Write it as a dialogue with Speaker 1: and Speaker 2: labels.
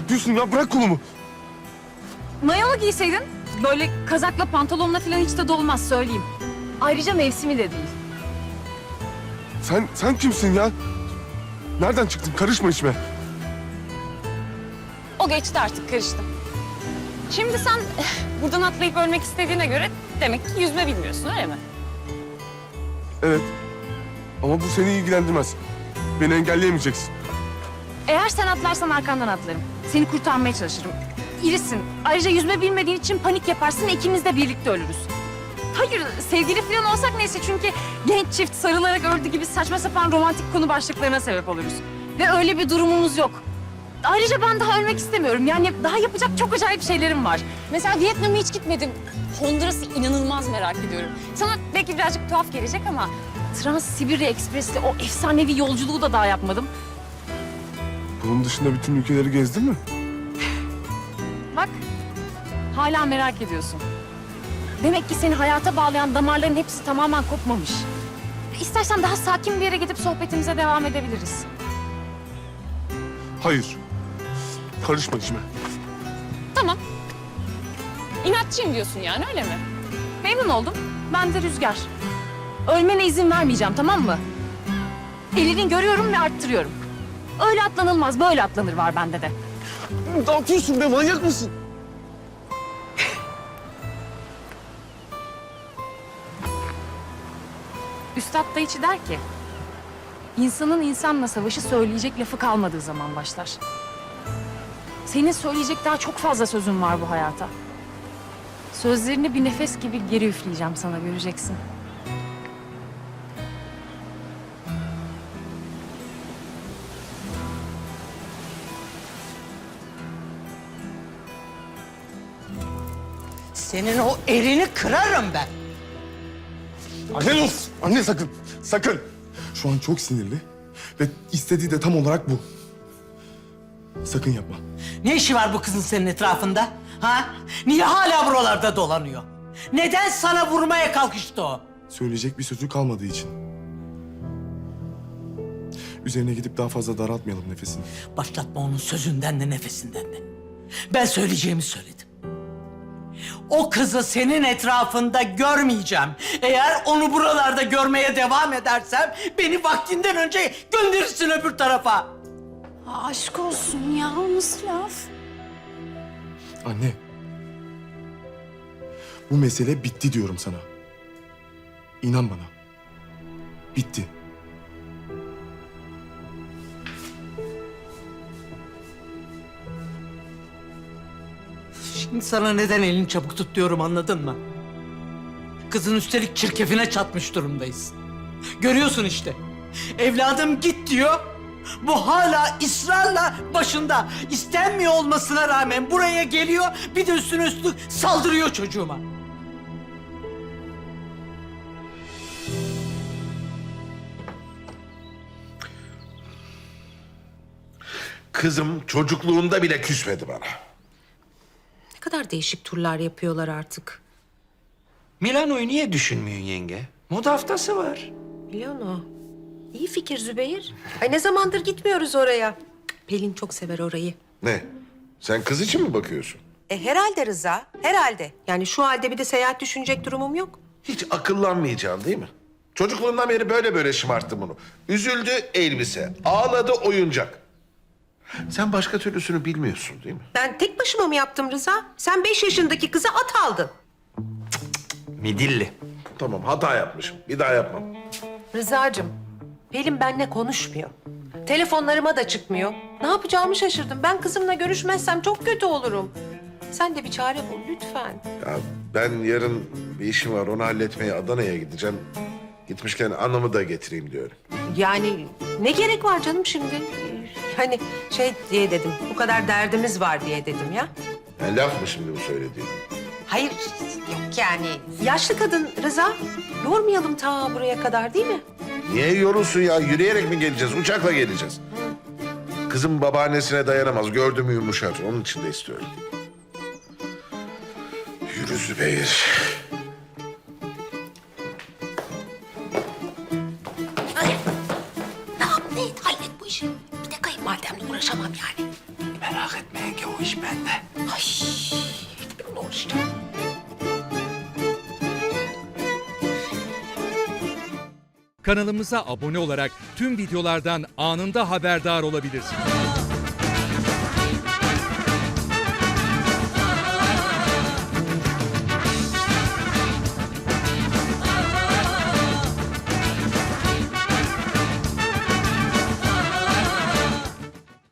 Speaker 1: yapıyorsun ya? Bırak kolumu.
Speaker 2: Mayalı giyseydin. Böyle kazakla pantolonla falan hiç de dolmaz söyleyeyim. Ayrıca mevsimi de değil.
Speaker 1: Sen kimsin ya? Nereden çıktın? Karışma içime.
Speaker 2: O geçti artık karıştı. Şimdi sen buradan atlayıp ölmek istediğine göre demek ki yüzme bilmiyorsun öyle mi?
Speaker 1: Evet. Ama bu seni ilgilendirmez. Beni engelleyemeyeceksin.
Speaker 2: Eğer sen atlarsan arkandan atlarım. Seni kurtarmaya çalışırım. İrisin. Ayrıca yüzme bilmediğin için panik yaparsın, ikimiz de birlikte ölürüz. Hayır, sevgili falan olsak neyse çünkü genç çift sarılarak öldü gibi saçma sapan romantik konu başlıklarına sebep oluruz. Ve öyle bir durumumuz yok. Ayrıca ben daha ölmek istemiyorum. Yani daha yapacak çok acayip şeylerim var. Mesela Vietnam'a hiç gitmedim. Honduras'ı inanılmaz merak ediyorum. Sana belki birazcık tuhaf gelecek ama Trans-Sibirya Ekspresi'yle o efsanevi yolculuğu da daha yapmadım.
Speaker 1: Bunun dışında bütün ülkeleri gezdin mi?
Speaker 2: Bak, hala merak ediyorsun. Demek ki seni hayata bağlayan damarların hepsi tamamen kopmamış. İstersen daha sakin bir yere gidip sohbetimize devam edebiliriz.
Speaker 1: Hayır. Karışma içime.
Speaker 2: Tamam. İnatçıyım diyorsun yani öyle mi? Memnun oldum. Ben de Rüzgar. Ölmene izin vermeyeceğim tamam mı? Elini görüyorum ve arttırıyorum. Öyle atlanılmaz, böyle atlanır var bende de.
Speaker 1: Ne yapıyorsun be? Manyak mısın?
Speaker 2: Üstad Dayıçı der ki... ...insanın insanla savaşı söyleyecek lafı kalmadığı zaman başlar. Senin söyleyecek daha çok fazla sözün var bu hayata. Sözlerini bir nefes gibi geri üfleyeceğim sana, göreceksin.
Speaker 3: Senin o elini kırarım ben.
Speaker 1: Anne dur! Anne sakın! Sakın! Şu an çok sinirli ve istediği de tam olarak bu. Sakın yapma.
Speaker 3: Ne işi var bu kızın senin etrafında? Ha? Niye hala buralarda dolanıyor? Neden sana vurmaya kalkıştı o?
Speaker 1: Söyleyecek bir sözü kalmadığı için. Üzerine gidip daha fazla daraltmayalım nefesini.
Speaker 3: Başlatma onun sözünden de nefesinden de. Ben söyleyeceğimi söyledim. O kızı senin etrafında görmeyeceğim. Eğer onu buralarda görmeye devam edersem... ...beni vaktinden önce gönderirsin öbür tarafa.
Speaker 2: Aşk olsun ya, nasıl laf?
Speaker 1: Anne. Bu mesele bitti diyorum sana. İnan bana. Bitti.
Speaker 3: Şimdi sana neden elini çabuk tut diyorum, anladın mı? Kızın üstelik çirkefine çatmış durumdayız. Görüyorsun işte. Evladım git diyor. Bu hala ısrarla başında. İstenmiyor olmasına rağmen buraya geliyor. Bir de üstüne üstlük saldırıyor çocuğuma.
Speaker 4: Kızım çocukluğunda bile küsmedi bana.
Speaker 5: Ne kadar değişik turlar yapıyorlar artık.
Speaker 6: Milano'yu niye düşünmüyorsun yenge? Moda haftası var.
Speaker 5: Milano. İyi fikir Zübeyir. Ay ne zamandır gitmiyoruz oraya. Pelin çok sever orayı.
Speaker 4: Ne? Sen kız için mi bakıyorsun?
Speaker 5: Herhalde Rıza, herhalde. Yani şu halde bir de seyahat düşünecek durumum yok.
Speaker 4: Hiç akıllanmayacaksın değil mi? Çocukluğundan beri böyle şımarttı bunu. Üzüldü elbise, ağladı oyuncak. Sen başka türlüsünü bilmiyorsun değil mi?
Speaker 5: Ben tek başıma mı yaptım Rıza? Sen 5 yaşındaki kıza at aldın.
Speaker 6: Midilli.
Speaker 4: Tamam hata yapmışım. Bir daha yapmam.
Speaker 5: Rıza'cığım, Pelin benimle konuşmuyor. Telefonlarıma da çıkmıyor. Ne yapacağımı şaşırdım. Ben kızımla görüşmezsem çok kötü olurum. Sen de bir çare bul lütfen.
Speaker 4: Ya ben yarın bir işim var onu halletmeye Adana'ya gideceğim. Gitmişken anamı da getireyim diyorum.
Speaker 5: Yani ne gerek var canım şimdi? Hani şey diye dedim, bu kadar derdimiz var diye dedim ya.
Speaker 4: Yani laf mı şimdi bu söylediğin?
Speaker 5: Hayır, yok yani. Yaşlı kadın Rıza, yormayalım ta buraya kadar değil mi?
Speaker 4: Niye yorulsun ya? Yürüyerek mi geleceğiz? Uçakla geleceğiz. Kızım babaannesine dayanamaz. Gördü mü yumuşar. Onun için de istiyorum. Yürü Zübeyir.
Speaker 5: Ne yap, ne et, hallet bu işi. Bir de kayınvalidemle uğraşamam yani.
Speaker 6: Merak etme yenge, bende.
Speaker 5: Ay, ne uğraşacağım?
Speaker 7: Kanalımıza abone olarak tüm videolardan anında haberdar olabilirsiniz.